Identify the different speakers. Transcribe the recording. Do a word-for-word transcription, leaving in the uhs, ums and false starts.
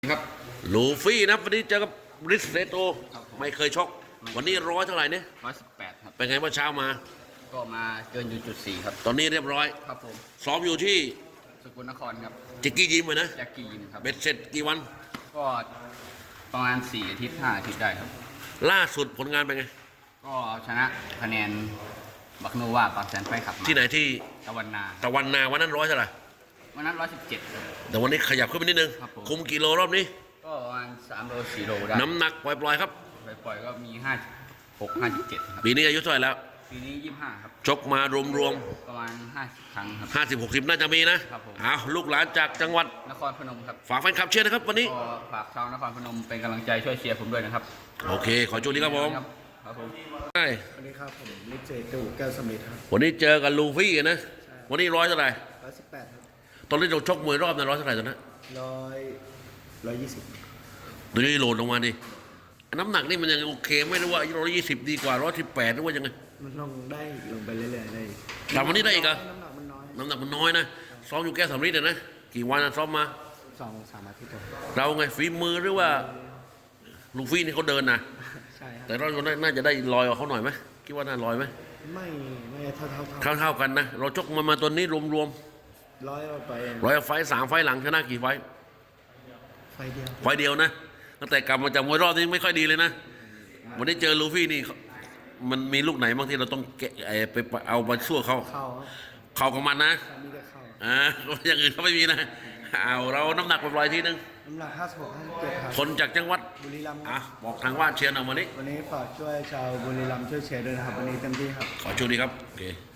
Speaker 1: ครับ
Speaker 2: ลูฟี่นะวันนี้เจอกับริสเซโตไม่เคยชกวันนี้ร้อยเท่าไหร่เนี่ย
Speaker 1: ร้อยสิบแปดครับ
Speaker 2: เป็นไงเมื่อเช้ามา
Speaker 1: ก็มาเกินอยู่จุดสี่ครับ
Speaker 2: ตอนนี้เรียบร้อย
Speaker 1: ครับผม
Speaker 2: ซ้อมอยู่ที่
Speaker 1: สกลนครครับ
Speaker 2: จิกกี้ยิมเลยนะ
Speaker 1: จากกียิมครับ
Speaker 2: เบ็ดเสร็จกี่วัน
Speaker 1: ก็ประมาณสี่อาทิตย์ห้าอาทิตย์ได้ครับ
Speaker 2: ล่าสุดผลงานเป็นไง
Speaker 1: ก็ชนะคะแนนบักโนวาปากแสนไฟขับ
Speaker 2: ที่ไหนที่
Speaker 1: ตะวันนา
Speaker 2: ตะวันนาวันนั้นร้อยเท่าไหร่
Speaker 1: วันนั้นร้อยสิบเจ็ด
Speaker 2: แต่วันนี้ขยับขึ้นไปนิดนึงคุมกิโลรอบนี้
Speaker 1: ก็ประมาณสามโลสี่โลได้
Speaker 2: น้ำหนักปล่อยๆครับ
Speaker 1: ปล่อยๆก็มีห้าหกห้าสิบเจ็ดครับ
Speaker 2: ปีนี้อายุเท่าไหร่แล้ว
Speaker 1: ปีนี้ยี่สิบห้าครับ
Speaker 2: ชกมารวม
Speaker 1: ประมาณห้าสิบครั้งครับ
Speaker 2: ห้าสิบหกสิบน่าจะมีนะครับ
Speaker 1: ผม
Speaker 2: อ้าวลูกหลานจากจังหวัด
Speaker 1: นครพนมครับ
Speaker 2: ฝากแฟนคลับเชียร์นะครับวันนี้
Speaker 1: ก็ฝากชาวนครพนมเป็นกำลังใจช่วยเชียร์ผมด้วยนะครับ
Speaker 2: โอเคขอโชคดีครับผม
Speaker 1: ครับผม
Speaker 2: ใช่
Speaker 3: วันนี้ครับผมนิกเจตูแก้วสมิธครับ
Speaker 2: วันนี้เจอกันลูฟี่นะวันนี้ร้อยเท่าไหร่
Speaker 3: ร้อยสิบแปดครับ
Speaker 2: ตอนนี้เราชกมวยรอบนะร้อยเท่าไหร่ตอนนั้น
Speaker 3: ร้อยร้อยยี่สิบ
Speaker 2: ตัวนี้โหลดลงมาดิน้ำหนักนี่มันยังโอเคไม่รู้ว่าร้อยยี่สิบดีกว่าร้อยสิบแปดหรือว่ายังไง
Speaker 3: มันลงได้ลงไปเรื่อยๆได้
Speaker 2: แต่วันนี้ได้อีกเหรอ
Speaker 3: น้ำหนักมันน้อย
Speaker 2: น้ำหนักมันน้อยนะซ้อมอยู่แก้สำลีเลยนะกี่วันนะซ้อมมา
Speaker 3: สองสามอาทิตย์
Speaker 2: เราไงฝีมือหรือว่าลูฟี่นี่เขาเดินนะ
Speaker 3: ใช่ครับ
Speaker 2: แต่เราน่าจะได้ลอยกว่าเขาหน่อยไหมคิดว่าน่าลอยไหม
Speaker 3: ไม่ไม่เท่าเท่า
Speaker 2: เท่าเท่ากันนะเราชกมามาตัวนี้รวมรวม
Speaker 3: ร้อยไป
Speaker 2: ร้อยไฟสามไฟหลังชนะกี่ไฟ
Speaker 3: ไฟเดียว
Speaker 2: ไฟเดียวนะตั้งแต่กลับมาจากมวยรอบนี้ไม่ค่อยดีเลยนะวันนี้เจอลูฟี่นี่มันมีลูกไหนบางที่เราต้องแกะไปเอามาสู้เขา
Speaker 3: เข้า
Speaker 2: เข้ากับมันนะ
Speaker 3: มีแต่เข้า
Speaker 2: อ่าอย่างอื่นเขาไม่มีนะเอาเราน้ำหนักปล่อยทีนึง
Speaker 3: น้ำหนักห้าสิบหกห้าสิบเจ็ดครับ
Speaker 2: คนจากจังหวัด
Speaker 3: บุรีรัมย์
Speaker 2: อ่ะบอกทางว่าเชียร์หน่อยวันนี้
Speaker 3: วันนี้ฝากช่วยชาวบุรีรัมย์ช่วยเชียร์ด้วยนะครับวันนี้เต็มที่ครับ
Speaker 2: ขอช่วยดีครับโอเค